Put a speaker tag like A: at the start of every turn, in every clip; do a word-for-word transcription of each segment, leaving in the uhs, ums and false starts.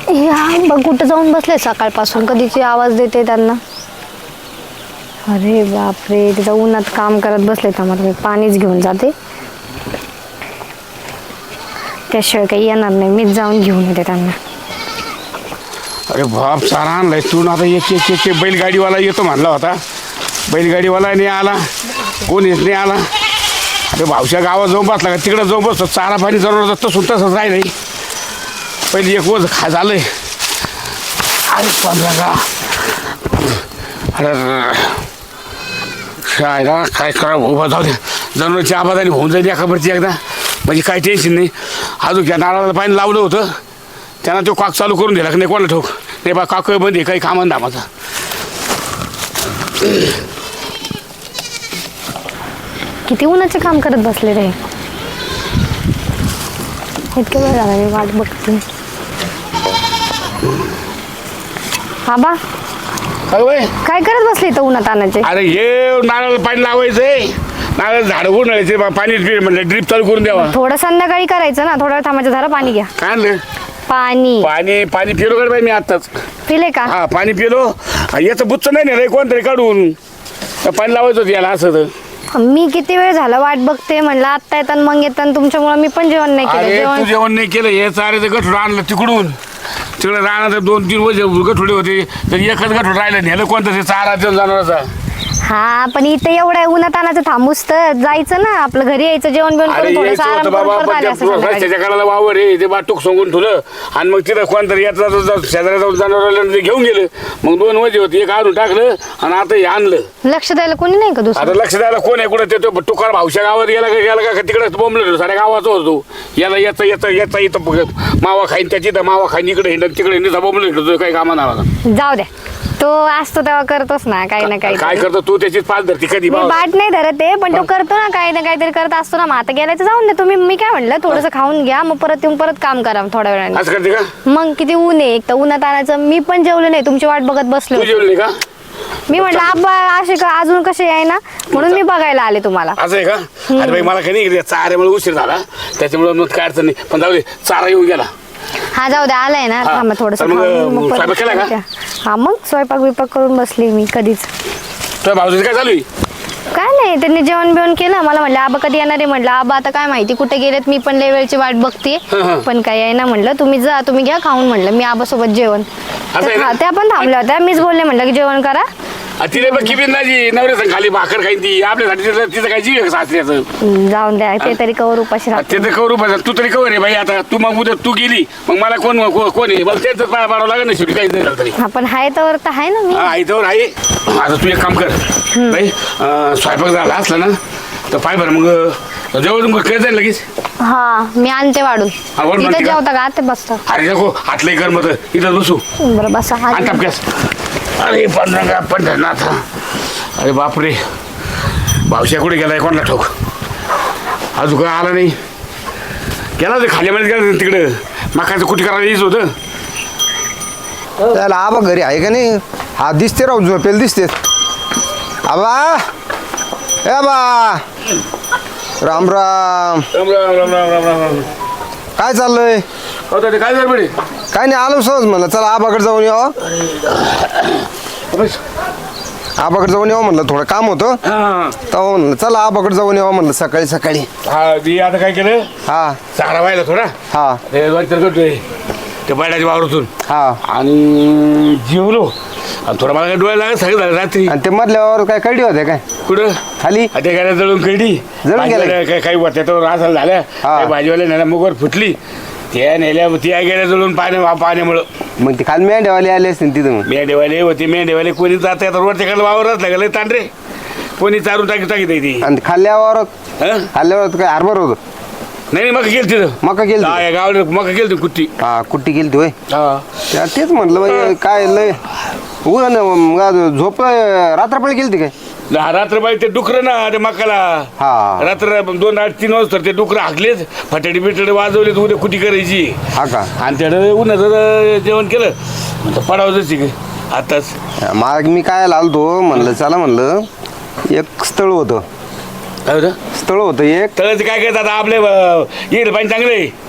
A: या बघ कुठं जाऊन बसले सकाळपासून, कधीची आवाज देते त्यांना. अरे बापरे, तिथं उन्हात काम करत बसले. आम्हाला मी पाणीच घेऊन जाते, त्याशिवाय काही येणार नाही. मीच जाऊन घेऊन येते त्यांना.
B: अरे बाप, सारा आणलाय तू आता. एक एक एक बैलगाडीवाला येतो म्हणला होता, बैलगाडीवाला नाही आला, कोणीच नाही आला. अरे भावच्या गावात जाऊन बसला का, तिकडं जाऊन बसतो. चारा पाणी जरूर तसून तसंच राहिलं. पहिले एक वज खा झालंय. अरे पंधरा का, अरे शाळेला काय करा उभा जाऊ द्या. जनावरची आबादानी होऊन जाईल एकावरची एकदा, म्हणजे काही टेन्शन नाही. अजून त्या नारळाला पाणी लावलं होतं, त्यांना तो काक चालू करून दिला की नाही कोणाला ठोक नाही बा. काक बंद आहे, काही कामान दामाचा.
A: किती उन्हाचे काम करत बसले रे. इतकं वेळ झाला मी वाट बघते. आबा काय करत बसले इथं उन्हात आणायचे?
B: अरे हे नारळ पाणी लावायचंय, नारळ झाड उन्हाळ्याचे पाणी म्हणलं ड्रीप चालू करून द्यावा.
A: थोडं संध्याकाळी करायचं ना, थोडं थांबायचं. झालं पाणी घ्या.
B: काय आणलं?
A: पाणी.
B: पाणी पाणी पिलो का बाई मी आत्ताच?
A: पिले का?
B: हा पाणी पिलो. याचं बुच्च नाही ना रे कोणतरी काढून पाणी लावायचं होतं याला. असं तर
A: मी किती वेळ झाला वाट बघते, म्हणलं आत्ता येतात मग येतात. तुमच्यामुळे मी पण जेवण नाही केलं.
B: जेवण जेवण नाही केलं. हे चाऱ्याचं गठोड आणलं तिकडून, तिकडे राहणार दोन तीन वर्ष गठोडे होते, तर एकच गठोड राहिलं. नेलं कोणतं ते चारा जनावराचा.
A: हा पण इथे एवढ्या उन्हात आणायचं थांबूस तर जायचं ना, आपलं घरी यायचं, जेवण बिवण करून थोडंसं आराम करून परत आले असते संध्याकाळी.
B: रस्त्याच्या कडाला वावर आहे, ते बाटूक सांगून ठेवलं. आणि मग तिथं कोणतरी येत शेजाऱ्या जाऊन जनावरांना घेऊन गेलं. मग दोन वजे होते, एक आणून टाकलं आणि आता हे आणलं.
A: लक्ष द्यायला कोणी नाही का दुसरं?
B: आता लक्ष द्यायला कोण आहे? कुठं ते टुकार भावच्या गावात गेला का गेला का तिकडे बोंबलं साऱ्या गावाचा होतो. याला याचा याचा याचा इथं मावा खाईन, त्याची तर मावा खाईन, इकडे हिंडत तिकडे हिंडत बोंबलं काही कामा नावा.
A: जाऊ द्या, तो असतो तेव्हा करतोच ना काही ना काही.
B: काय करतो तू? त्याचीच पाच धरती कधी
A: बाट नाही धरत आहे, पण तो करतो ना काही ना काहीतरी करत असतो ना. मग आता गेल्याचं जाऊन दे तुम्ही. मी काय म्हणलं, थोडंसं खाऊन घ्या, मग परत येऊन परत काम करा थोड्या वेळाने.
B: असं करते का?
A: मग किती ऊन आहे, एक तर उन्हात आणायचं. मी पण जेवले नाही, तुमची वाट बघत बसलो.
B: तू जेवली का?
A: मी म्हटलं आबा असे का अजून कसे आहे ना, म्हणून मी बघायला आले तुम्हाला.
B: असं आहे का? अरे बाई मला काही नाही, चाऱ्यामुळे उशीर झाला त्याच्यामुळे मग काय अडचण नाही. पण जाऊ दे, चारा येऊन गेला.
A: हा जाऊ द्या, आलाय ना. थांबा थोडंसं.
B: स्वयंपाक केला का?
A: हा मग स्वयंपाक बिपाक करून बसली मी कधीच.
B: तुझ्या भाऊजीचं काय चालू आहे?
A: काय नाही, त्यांनी जेवण बिवण केलं. मला म्हटलं आबा कधी येणार आहे? म्हटलं आबा आता काय माहिती कुठे गेलेत, मी पण लय वेळची वाट बघते, पण काय आहे ना. म्हटलं तुम्ही जा, तुम्ही घ्या खाऊन. म्हटलं मी आबा सोबत जेवण. त्या पण थांबल्या होत्या, मीच बोलले म्हटलं की जेवण करा.
B: तिने बघ किती नाजी नवऱ्या खाली भाकर खाईन ती आपल्यासाठी. तिचं काय जीव सासऱ्याचं.
A: जाऊन द्या, ते तरी कवर उपाशी राहते.
B: ते तर करू पाहिजे. तू तरी कवर आहे बाई. आता तू मग उद्या तू गेली मग मला कोण कोण आहे? मला त्यांचं पाया पाडावं लागेल ना शेवटी. काहीच नाही झालं तरी.
A: हा पण हाय तर आहे ना मी.
B: हा इथं आहे. आता तू एक काम कर बाई, स्वयंपाक झाला असला ना तर पाय बरं मग जेवण काय जाईल लगेच.
A: हा मी आणते वाढून. इथं जेवता का? ते बसता.
B: अरे नको हातलं कर मग इथं बसू.
A: बरं बसा.
B: अरे पंधरा पंढरनाथ. अरे बापरे, भावश्या कुठे गेलाय कोणाला ठोक? अजून काय आला नाही. गेला ते खाल्यामध्ये गेला तिकडं. मकाचं कुठे करायला यायचं होतं.
C: त्याला आबा घरी आहे का नाही? हा दिसते राहू, झोपेल दिसते. आबा ए आबा, राम राम.
B: राम राम राम राम राम राम.
C: काय चाललंय?
B: होतं ते काय झालं?
C: काय नाही, आलो सहज म्हणलं चला आबाकडे जाऊन यावं. आबाकडे जाऊन यावं म्हणलं, थोडं काम होतं तेव्हा म्हणलं चला आबाकडे जाऊन यावं म्हणलं सकाळी सकाळी.
B: हा मी आता काय केलं,
C: हा
B: चारा व्हायला थोडा.
C: हा
B: ते करतोय ते बैलाच्या वावरातून.
C: हा
B: आणि जेवलो आणि थोडं मला काय डोळ्याला लागत सगळं झालं रात्री.
C: आणि ते मधल्यावर काय कडी होते काय
B: कुठं
C: खाली?
B: ते गाड्या जळून कळली.
C: जळून गेल्या
B: काय काही त्याच्यावर असं झालं. भाजीवाल्या नेल्या मुगवर फुटली. त्या नेल्या ती आई गेल्या जळून पाण्या पाण्यामुळं.
C: मग ते खाली मेंढ्यावाले आले असतील तिथं. मग
B: मेंढेवाले होते. मेंढेवाले कोणी जात वरच्याकडे वावरच लागले तांडरे. कोणी चारून टाकी टाकीत ती.
C: आणि खाल्ल्यावर खाल्ल्यावर काय हरभर होतं?
B: नाही मका गेली तिथं.
C: मका गेली
B: गावाला मका गेली कुट्टी.
C: हा कुट्टी गेली होय.
B: हा
C: तेच म्हटलं बाई काय लय झोप रात्रपळी गेली काय?
B: रात्रबाई ते डुकर ना ते मकाला.
C: हा
B: रात्र दोन आठ तीन वाजता ते डुकर हाकलेच, फटाडी बिटाडी वाजवले, उद्या कुटी करायची.
C: हा का?
B: आणि त्याकडे उन्हाचं जेवण केलं पडावं जशी आताच.
C: मग मी काय आलतो म्हणलं चला म्हणलं एक स्थळ होतं.
B: काय होतं?
C: स्थळ होतं एक.
B: तळाचं काय करतात आपले येईल पाणी चांगले.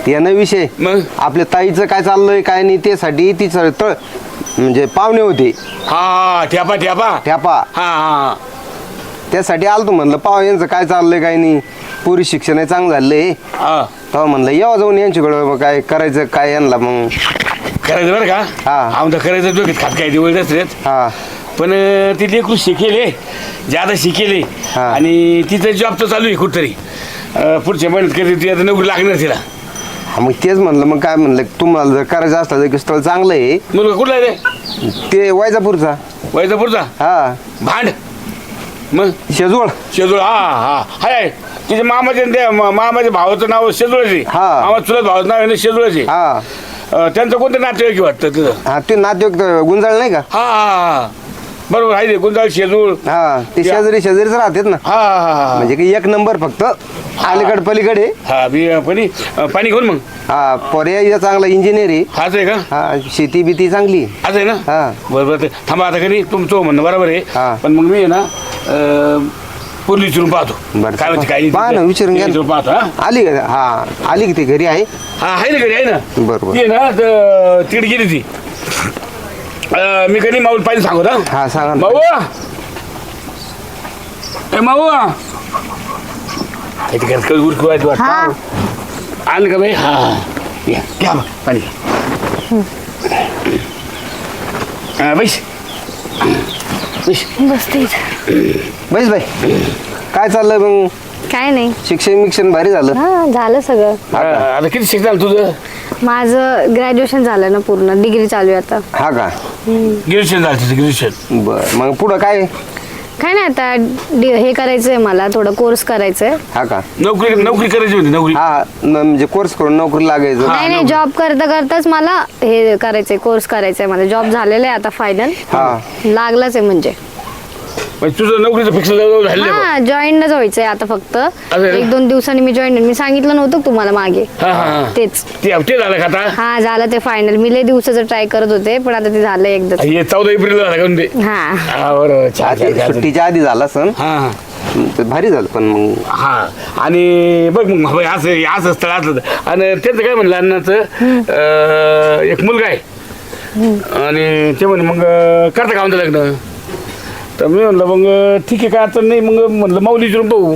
C: ते ना विषय
B: मग?
C: आपल्या ताईचं काय चाललंय काय नाही त्यासाठी ती सर तळ म्हणजे पाहुणे होते
B: हा ठ्यापा ठ्यापा
C: ठ्यापा
B: हा हा
C: त्यासाठी आलतो म्हणलं पाहू यांचं काय चाललंय काय नाही पुरी शिक्षण चांगलं झालंय
B: हा
C: तेव्हा म्हणलं यावं जाऊन यांच्याकडं मग काय करायचं काय यांना मग
B: करायचं बरं का
C: हा.
B: आमचं करायचं डोक्यात खात काय दिवस असत
C: हा
B: पण अं, ती लेकरू शिकेले ज्यादा शिकेले
C: हा.
B: आणि तिचं जॉब तर चालू आहे कुठतरी अं, पुढच्या महिन्यात कधी ती आता नोकरी लागणार तिला
C: हा, मग तेच म्हणलं मग काय म्हणलं तुम्हाला जर करायचं असलं तर स्थळ चांगलं आहे
B: मुलगा कुठला आहे रे
C: ते वैजापूरचा
B: वैजापूरचा
C: हा
B: भांड मग
C: शेजवळ
B: शेजूळ हा हा हाय आहे. तिचे मामाचे न ते मा- मामाच्या भावाचं नाव शेजूळचे
C: हा.
B: मामा चुलत भावाचं नाव आहे ना शेजूळचे
C: हा
B: त्यांचं कोणतं नातेवाईक वाटतं तिथं
C: हा ते नातेवाईक गुंजाळ नाही का
B: हा हा हा बरोबर आहे ते गुंजाळ शेजूळ
C: हा ते
B: या.
C: शेजारी शेजारीच राहतात ना
B: हा हा हा
C: म्हणजे की एक नंबर फक्त अलीकड पलीकडे
B: हा बी पाणी पाणी घेऊन मग
C: हा पर्याय चांगला इंजिनियर आहे
B: हाच आहे का
C: हा शेती बिती चांगली
B: हाच आहे ना
C: हा.
B: बरोबर ते थांबा आता कधी तुमचं म्हणणं बरोबर आहे
C: हा.
B: पण मग मी आहे ना अं, पूर्ण विचारून पाहतो
C: बरं.
B: काय म्हणते काय
C: पहा ना, विचारून घ्या ना.
B: विचारून पाहतो हा
C: आली का हा आली की ती घरी आहे
B: हा आहे ना घरी आहे ना
C: बरोबर.
B: ती आहे ना तर तिकडे गेली ती अं, मी कधी माऊल पाहिजे सांगू ना
C: हा सांगा ना.
B: माऊ ए माऊ इथे काय कधी उरकू आहे वाटतं
A: हा
B: आलं का बाई हा या घ्या बा, पाणी घ्या बैस बैस
A: बसते इथं.
C: बैस बाई काय चाललंय मग
A: काय नाही
C: शिक्षण मिक्षण भारी झालं
A: हा झालं सगळं
B: हा, आता किती शिक्षण झालं तुझं
A: माझं ग्रॅज्युएशन झालं ना पूर्ण डिग्री चालू आहे आता
C: हा का
B: ग्रॅज्युएशन झालं तुझं ग्रॅज्युएशन
C: बर मग पुढं काय
A: काय नाही आता डि- हे करायचंय मला थोडं कोर्स करायचंय
C: हा का
B: नोकरी नोकरी करायची होती नोकरी
C: हा न- म्हणजे कोर्स करून नोकरी लागायचं
A: नाही नाही जॉब करता करताच मला हे करायचंय कोर्स करायचंय मला जॉब झालेला आहे आता फायनल
C: हा.
A: लागलाच आहे म्हणजे
B: म्हणजे तुझं नोकरीचं फिक्स झालं आहे बा.
A: हा जॉईनच व्हायचंय आता फक्त
B: आहे ना?
A: एक दोन दिवसांनी मी जॉईन मी सांगितलं नव्हतं का तुम्हाला मागे
B: हा हा हा.
A: तेच
B: ते हप्ते झालं का आता
A: हा झालं ते फायनल मी लय दिवसाचं ट्राय करत होते पण आता ते झालं एकदाच
B: हे चौदा एप्रिल झालं का म्हणते
A: हा
B: हा बरोबर छान छान, छान.
C: सुट्टीच्या आधी झाला सण
B: हा हा
C: तर भारी झालं पण मग
B: हा आणि बघ मग बाई असं असं स्थळ असलं तर. आणि त्यांचं काय म्हणलं अण्णाचं अं, एक मुलगा आहे आणि ते म्हणे मग अं, करता का म्हणतं लग्न तर मी म्हणलं मग ठीक आहे काय अडचण नाही मग म्हणलं माऊली विचारून पाहू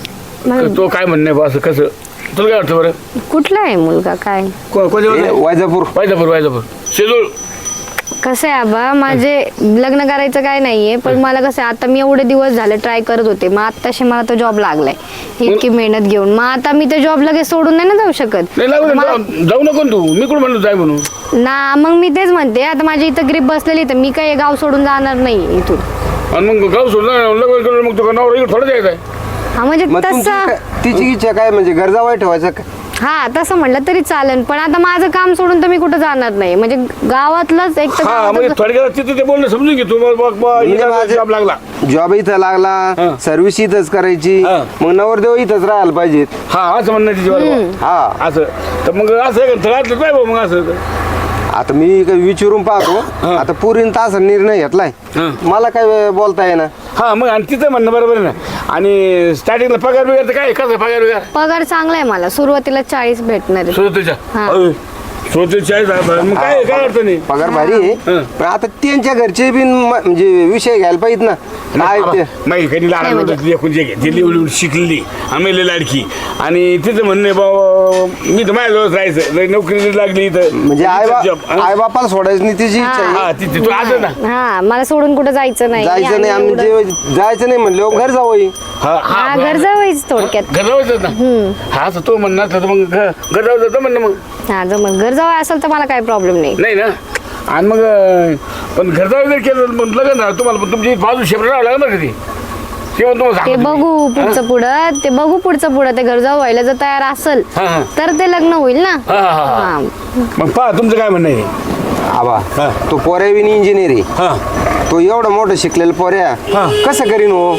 A: मग
B: तो काय म्हणणं आहे बा असं कसं तुला काय वाटतं बरं
A: कुठला आहे मुलगा काय
B: को- कोणत्या
C: हे
B: बाजूला?
C: वैजापूर
B: वायजापूर वायजापूर शेजूळ
A: कसं आहे आबा माझे लग्न करायचं काय नाहीये पण मला कसं आहे, आता मी एवढे दिवस झाले ट्राय करत होते मग आत्ताशी मला तो जॉब लागलाय इतकी मेहनत घेऊन मग आता मी ते जॉब लगेच सोडून नाही ना जाऊ शकत
B: नाही लागू
A: मला-
B: जाऊ जाऊ नको ना तू मी कुठं म्हणलो जाय म्हणून
A: ना मग मी तेच म्हणते आता माझी इथं ग्रीप बसलेली तर मी काय हे गाव सोडून जाणार नाही इथून
B: आणि मग गाव सोडलं लग्न केलं मग तुला नवरा इकडे थोडं द्यायचं आहे
A: हा म्हणजे
C: मग तुमची
A: तसं
C: काय- तिची इच्छा काय म्हणजे गरजा वाईट ठेवायचं का?
A: हा तसं म्हटलं तरी चालेल पण आता माझं काम सोडून तर मी कुठं जाणार नाही म्हणजे गावातलंच एक तर
B: हा म्हणजे
A: गावातच-
B: थोडक्यात तिथं ते बोलणं समजून घे तू मग बघ बा,
C: म्हणजे
B: हिला
C: माझे-
B: जॉब लागला
C: जॉब इथं
B: हा.
C: लागला सर्व्हिस इथंच करायची
B: हा.
C: मग नवरदेव इथंच राहायला पाहिजेत
B: हा असं म्हणणं तिची बरोबर
C: हा
B: असं तर मग असं आहे का तळातलं काय बा मग असं
C: आता मी काही विचारून पाहतो
B: हा.
C: आता पुरीन तास निर्णय घेतलाय
B: हा.
C: मला काय बोलता येईना
B: हा मग आणि तिचं म्हणणं बरोबर आहे ना आणि स्टार्टिंगला पगार बिगार तर काय कसं पगार बिगार
A: पगार चांगला आहे मला सुरुवातीला चाळीस भेटणार आहे.
B: श्रोतेच्या
A: हा.
B: श्रोतेच्या मग काय काय अडचण नाही
C: पगार भारी आहे
B: हा.
C: पण आता त्यांच्या घरचे बी म- म्हणजे विषय घ्यायला पाहिजेत ना काय ते
B: माहिती कधी लहान
A: काय
B: होतं एकूण जे घेतली एवढी शिकलेली आम्ही लाडकी आणि तिचं म्हणणं आहे बाबा मी तर माझ्याजवळच राहायचं लई नोकरी लागली तर
C: म्हणजे आई
B: job. हा?
C: आई बापाला सोडायचं नाही तिची इच्छा आहे
B: हा ती ती- तू असं ना
A: हा मला सोडून कुठं जायचं नाही
C: जायचं नाही
A: आणि
C: आम्ही
A: एवढं-
C: जे- जायचं नाही म्हणलं घर जावं
B: हा
A: हा घर जावंच थोडक्यात
B: घर जायचं ना हा तर तो म्हणणार तर मग घर घर जाऊ जातं म्हणणं मग
A: हा जमत घर जावं असेल तर मला काही प्रॉब्लेम नाही
B: नाही ना आणि मग अं, पण घर जाऊ जर केलं मग लग्न झालं तुम्हाला पण तुमची बाजू शेपट राहावं लागलं बरं का ती तेव्हा तुम्हाला
A: ते
B: सांगतो मी.
A: बघू पुढचं पुढं ते बघू पुढचं पुढं ते घर जाऊ व्हायला जर तयार असेल
B: हा, हा.
A: तर ते लग्न होईल ना
B: हा, हा, हा, हा.
A: हा
B: मग पहा तुमचं काय म्हणणं आहे
C: आबा
B: हा.
C: तो पोऱ्या बी इंजिनियर आहे
B: हा
C: तो एवढं मोठं शिकलेलं पोऱ्या
B: हा.
C: कसं करीन हो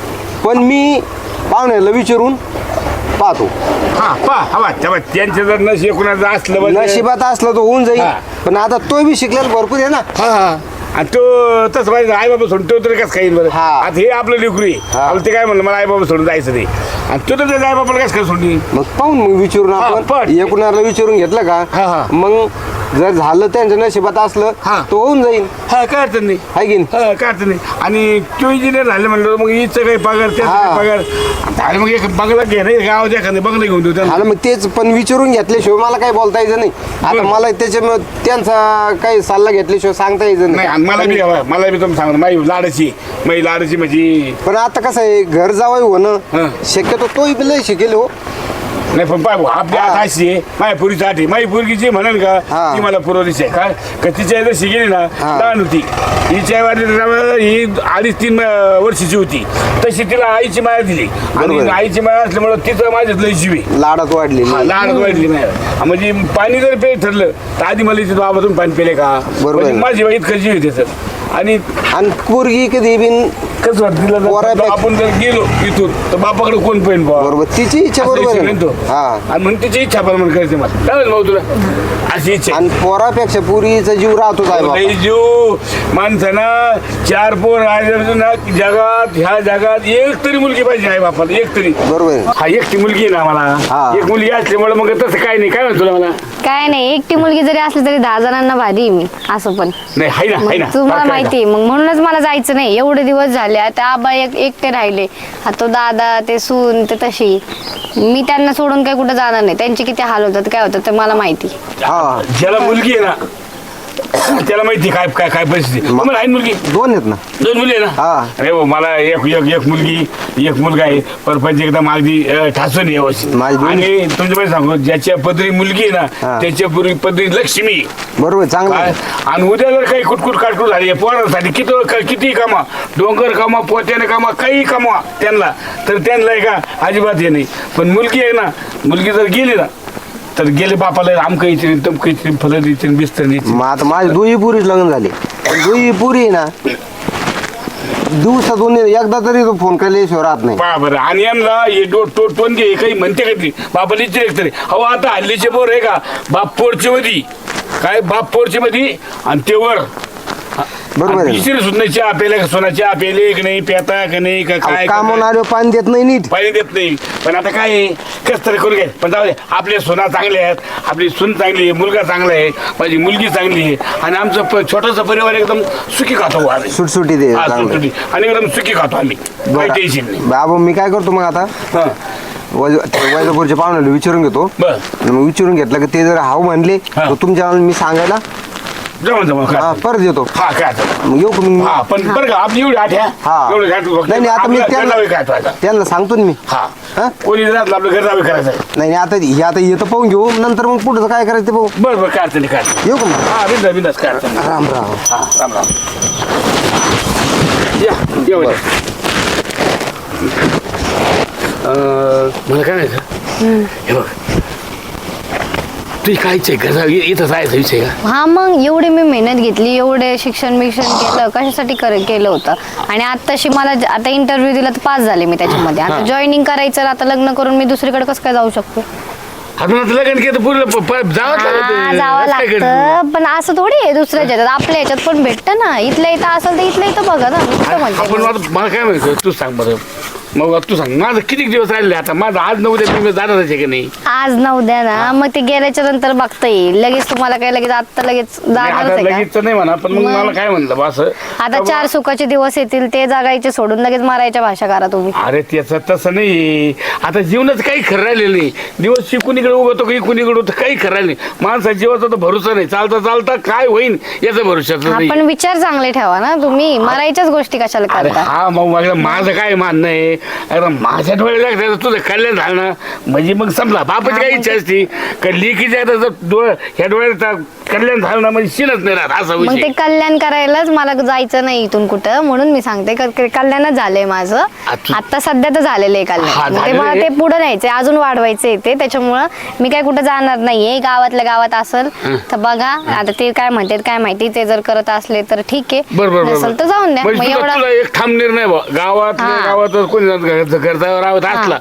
C: पण मी पाहुण्याला विचारून पाहतो
B: हा पहा हवा तेव्हा त्यांचं जर नशीब कुणाचं असलं म्हणजे-
C: नशिबात असलं तर होऊन जाईल
B: हा.
C: पण आता तो बी शिकलेला भरपूर आहे ना
B: हा हा आणि तो तसं पाहिजे आई बाबा सोडून तो तरी कसं खाईल बरं
C: हा.
B: आता हे आपलं लेकरू आहे
C: हा.
B: आपलं ते काय म्हणलं मला आई बाबा सोडून जायचं नाही आणि तो तर त्याच्या आई बाबाला कसं काय सोडली
C: मग पाहून मग विचारून
B: हा,
C: आपण
B: पण.
C: एकूणाला विचारून घेतलं
B: हा,
C: का
B: हा.
C: मग जर झालं त्यांच्या नशिबात असलं
B: हा.
C: तो होऊन जाईल
B: हा काय अडचण नाही
C: हाय की नाही?
B: हा काय अडचण नाही आणि तो इंजिनियर झाले म्हणलं मग हिचं काही पगार त्याचा
C: हा.
B: काही पगार आणि मग एक बंगला घे नाही गावात एखादं बंगला घेऊन देऊ त्यांना
C: आणि मग तेच पण विचारून घेतल्याशिवाय मला काही बोलता यायचं नाही आता
B: बरं.
C: मला त्याच्या त्यांचा काही सल्ला घेतल्याशिवाय सांगता यायचं
B: नाही आणि मला बी
C: नाही
B: मला बी तुम्ही सांगतो माझी लाडाची माझी लाडाची म्हणजे
C: पण आता कसं आहे घर जावं
B: हा.
C: होणं शक्यतो तोही बी लय शिकेल हो
B: नाही पण पाय आपली
C: हा.
B: आठ अशी आहे माझ्या पुरीची आठ आहे माझी पुरगी जी म्हणेल का
C: हा.
B: ती मला पुरवलीच आहे काय का तिच्या जर शिकेली ना
C: हा.
B: लहान होती हिच्या वाली ही अडीच तीन अं, वर्षाची होती तशी तिला आईची माया दिली आणि
C: बरोबर.
B: आईची माया असल्यामुळं तिचं माझ्यात लय जीव आहे
C: लाडात वाढली
B: हा, लहान वाढली नाही म्हणजे पाणी जर पे ठरलं तर आधी मला तिथं बाबातून पाणी पिले का
C: बरोबर.
B: म्हणजे माझी वाईट जीव आहे त्याचं आणि
C: आणि पोरगी कधी बिन
B: कसं वाटतं तिला जर
C: पोरापेक्षा-
B: आपण जर गेलो इथून तर बापाकडे कोण पाहिजे बाबा
C: बरोबर तिची इच्छा
B: असं
C: बरोबर
B: इच्छा
C: आहे
B: नाही तो.
C: ना? हा
B: आणि म्हणून तिची इच्छा पण म्हणून करायची मला चालेल भाऊ तुला अशी इच्छा आहे.
C: आणि पोरापेक्षा पुरीचा जीव राहतोच आहे बाबा.
B: लई जीव माणसानं चार पोर आहे ना जगात ह्या जगात एक तरी मुलगी पाहिजे आहे बापाला एक तरी
C: बरोबर आहे.
B: हा एकटी मुलगी आहे ना मला
C: हा.
B: एक मुलगी असल्यामुळे मग तसं काय नाही काय म्हणतो तुला मला
A: काय नाही एकटी मुलगी जरी असली तरी दहा जणांना भारी आहे मी असं पण
B: नाही हाय ना हाय ना
A: मग तुम्हाला
B: फरक आहे
A: माहिती आहे, मग म्हणूनच मला जायचं नाही एवढे दिवस झाले आता आबा एक एकटे राहिले हा तो दादा ते सून ते तशी मी त्यांना सोडून काय कुठं जाणार नाही त्यांचे किती हाल होतात काय होतात ते मला माहिती
B: का?
C: हा.
B: ज्याला मुलगी आहे ना त्याला माहिती काय काय काय परिस्थिती तुम्हाला आहे ना मुलगी
C: दोन आहेत ना
B: दोन मुली आहे ना
C: हा.
B: अरे हो मला एक एक एक मुलगी एक मुलगा आहे परपंच एकदम अगदी अं, ठासून आहे व्यवस्थित
C: माझी दोन-
B: आणि तुमच्या सांगू ज्याच्या पदरी मुलगी आहे ना
C: हा.
B: त्याच्या पूर्वी पदरी लक्ष्मी आहे.
C: बरोबर चांगलं
B: काय
C: आहे.
B: आणि उद्या जर काही कुटकुट काटकुट झाली आहे पोरांसाठी किती किती कामा डोंगर कामा पोत्याने कामा काही कामा त्यांना तर त्यांना आहे का अजिबात हे नाही पण मुलगी आहे ना मुलगी जर गेली ना तर गेले बापाला आमकं इथे तमकं इथे फलं इथे बिस्तर इथे
C: मग आता माझे दुई पुरीच लग्न झाले दुई पुरी आहे ना दिवसातून एकदा तरी तो फोन केल्याशिवाय राहत नाही
B: पहा बरं आणि यांना हे डो टो टोनगे काही म्हणते का ती बापाला इथे तरी अहो आता हल्लीचे पोर आहे का बाप पोरचे मध्ये काय बाप पोरचे मध्ये आणि ते वर
C: बरोबर आहे.
B: तिसरी सुद्धा चहा पेले का सोना चहा पेले की नाही पेता का नाही का काय का
C: कामून
B: काय?
C: आलो पाणी देत नाही नीट
B: पाणी देत नाही पण आता काय आहे, कस तरी करून घे पण जाऊ दे आपले सोना चांगले आहेत आपली सून चांगली आहे मुलगा चांगला आहे माझी मुलगी चांगली आहे आणि आमचं प- छोटासा परिवार एकदम सुखी खातो आम्ही
C: सुटसुटी दे
B: हा,
C: चांगलं.
B: सुटसुटी. आणि एकदम सुखी खातो आम्ही काही टेन्शन नाही
C: बाबा मी काय करतो मग आता
B: हा
C: वैज- ते वैजापूरच्या पाहुण्याला विचारून घेतो
B: बर
C: आणि मग विचारून घेतलं की ते जर हाव म्हणले
B: हा.
C: तर तुमच्या मी सांगायला
B: जमा जमा
C: हा,
B: काय
C: परत येतो
B: हा काय आता?
C: मग येऊ का मग
B: हा पण बरं का आपली एवढी आठ
C: हा.
B: एवढी घाट
C: नाही नाही आता मी त्यांना
B: काय तो आता
C: त्यांना सांगतो ना मी
B: हा
C: हा?
B: कोणी जर आपलं घर जावे करायचं आहे.
C: नाही नाही आता हे आता येतं पाहून घेऊ नंतर मग पुढचं काय करायचं ते पाहू
B: बरं बरं काय अडचण नाही, काय अडचण नाही.
C: येऊ का मग
B: हा बिंदास बिंदास काय अडचण नाही.
C: राम राम
B: हा राम राम या येऊ द्या. अं, मला काय नाही हे बघ तुझी काय इच्छा आहे घर इथं जायचं विषय का
A: हा मग एवढी मी मेहनत घेतली एवढे शिक्षण बिक्षण केलं कशासाठी कर केलं होतं आणि आत्ताशी मला ज- आता इंटरव्ह्यू दिला तर पास झाले मी त्याच्यामध्ये आता जॉईनिंग करायचं आता लग्न करून मी दुसरीकडे कसं काय जाऊ शकतो
B: आपण आता लग्न केलं पूर्ण प- प- जावंच
A: हा,
B: लागतं.
A: जावं
B: काय करतो?
A: लागतं पण असं थोडी आहे दुसऱ्या ह्याच्यात आपल्या ह्याच्यात पण भेटतं ना इथल्या इथं असेल तर इथल्या इथं बघा ना मी कुठं म्हणते
B: आपण
A: मग.
B: आता मला काय माहिती तू सांग बरं मग तू सांग माझं किती दिवस राहिले आता माझं आज नऊ उद्या मी जाणारच आहे की नाही
A: आज ना उद्या ना मग ते गेल्याच्या नंतर बघता येईल लगेच तुम्हाला काय लगेच आता लगेच
B: नाही,
A: जाणारच
B: आता
A: आहे का
B: लगेच तर नाही म्हणा पण मग
A: मग?
B: मला काय म्हणलं बा असं
A: आता चार सुखाचे दिवस येतील ते जगायचे सोडून लगेच मारायच्या भाषा करा तुम्ही
B: अरे त्याचं तसं नाही आता जीवनाचं काही खरं राहिलेलं नाही दिवस शिकून इकडे उगवतो काही कुणीकडे होतं काही खरं राहिलं नाही माणसाच्या जीवाचा तर भरोसा नाही चालता चालता काय होईल याचा भरोसाच नाही
A: आपण विचार चांगले ठेवा ना तुम्ही मारायच्याच गोष्टी कशाला
B: अरे
A: करता
B: हा मग माझं माझं काय मानणं आहे अरे माझ्या डोळ्याला लागतं तुझं कल्याण झालं ना म्हणजे मग संपला बापाची काय इच्छा असती का लेखीच्या जर डोळ ह्या डोळ्यात कल्याण झालं ना म्हणजे शिनच नाही राहत असा
A: मग
B: विषय
A: ते कल्याण करायलाच मला जायचं नाही इथून कुठं म्हणून मी सांगते क- क- कल्याणच झालंय माझं
B: आता-
A: आता सध्या तर झालेलं आहे
B: हा,
A: कल्याण मग ते
B: झालेलं
A: मला
B: आहे.
A: ते पुढे न्यायचंय अजून वाढवायचंय ते त्याच्यामुळं मी काय कुठं जाणार नाहीये गावातल्या गावात असेल तर बघा आता ते काय म्हणतात काय माहिती ते जर करत असले तर ठीक आहे
B: बरोबर
A: नसेल तर जाऊन द्या मग
B: म्हणजे तुला
A: एवढा
B: तुला एक ठाम निर्णय बा गावात
A: हा.
B: गावात कोणी घरचा राहत असला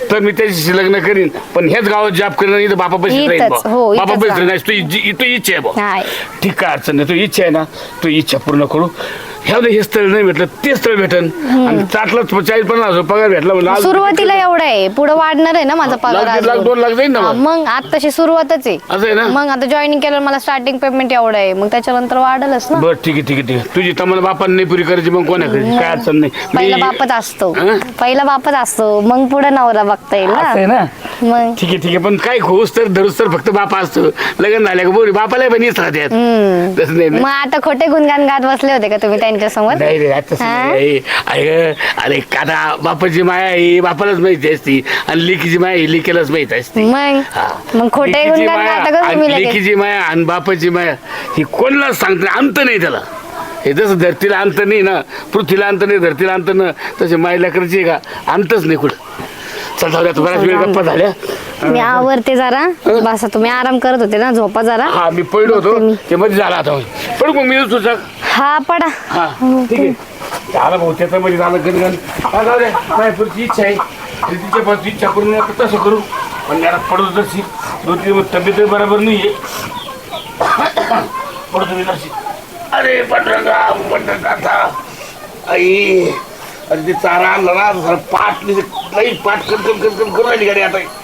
B: तर मी त्याच्याशी लग्न करीन, पण हेच गावात जॉब करीन, इथं बापा पैसे राहील
A: इथंच, हो, इथंच
B: बापा पैसे
A: राहा.
B: नाही. तू इच्छा तू इच्छा आहे बा.
A: नाही.
B: ठीक काय अडचण नाही. तू इच्छा आहे ना, तू इच्छा पूर्ण करू. ह्या हे स्थळ नाही भेटलं ते स्थळ भेटन आणि चाटलाच चाळीस पन्नास हजार पगार भेटला म्हणलं आज
A: सुरुवातीला एवढं आहे, पुढे वाढणार आहे ना माझा पगार
B: लाख, दीड लाख,
A: अजून.
B: दोन लाख जाईल ना
A: हा,
B: मग.
A: मग आताशी सुरुवातच आहे.
B: असं आहे ना.
A: मग आता जॉईनिंग केलं मला स्टार्टिंग पेमेंट एवढं आहे, मग त्याच्यानंतर वाढलच ना.
B: बरं ठीक आहे ठीक आहे ठीक आहे. तुझी तम्हाला बापाने नाही पुरी करायची मग कोणा करायची, काय अडचण नाही.
A: पहिला
B: मी-
A: बापच असतो,
B: हं?
A: पहिला बापच असतो, मग पुढे नवरा बघता येईल
B: असं आहे
A: ना.
B: ना.
A: मग
B: ठीक आहे ठीक आहे. पण काय खोस तर धरूस तर फक्त बापा असतो. लग्न झालं का बोरी बापाला पण येत राहते. तसं नाही ना.
A: मग आता खोटे गुणगान गात बसले होते का तुम्ही त्यांच्या समोर?
B: नाही रे आता तसं
A: हा?
B: नाही. अरे अरे कादा बापाची माया ही बापालाच माहिती असती आणि लेकीची माया ही लेकीलाच माहिती असते.
A: मग
B: हा.
A: मग खोटे
B: लेकीची
A: गुणगान
B: माया
A: गाता का तुम्ही
B: आणि
A: लगेच?
B: लेकीची माया आणि बापाची माया ही कोणालाच सांगत नाही, अंत नाही त्याला. हे जसं धरतीला अंत नाही ना, पृथ्वीला अंत नाही, धरतीला अंत ना, तसे मायला करायची का अंतच नाही कुठं. चल जाऊया, आता बऱ्याच वेळ गप्पा झाल्या.
A: मी आवरते जरा, बस तुम्ही आराम करत होते ना, झोपा जरा.
B: हा मी पडलो होतो
A: बघते मी.
B: ते मध्ये झाला आता पण मग मी तुझा
A: हा पडा.
B: हा ठीक आहे. झालं भाऊ त्याचं मध्ये झालं गणगण. हा जाऊ द्या, माझी पुढची इच्छा आहे तिच्या पासून इच्छा करून नका तसं करू, पण याला पडतो जशी दोन तीन तब्येत बरोबर नाही आहे. पडतो मी जशी. अरे पंढरंगा पंढरंगा आई, अरे ते चारा आणला ना, पाठ लई पाठ कन कन कन कन करून राहिली गाडी आता.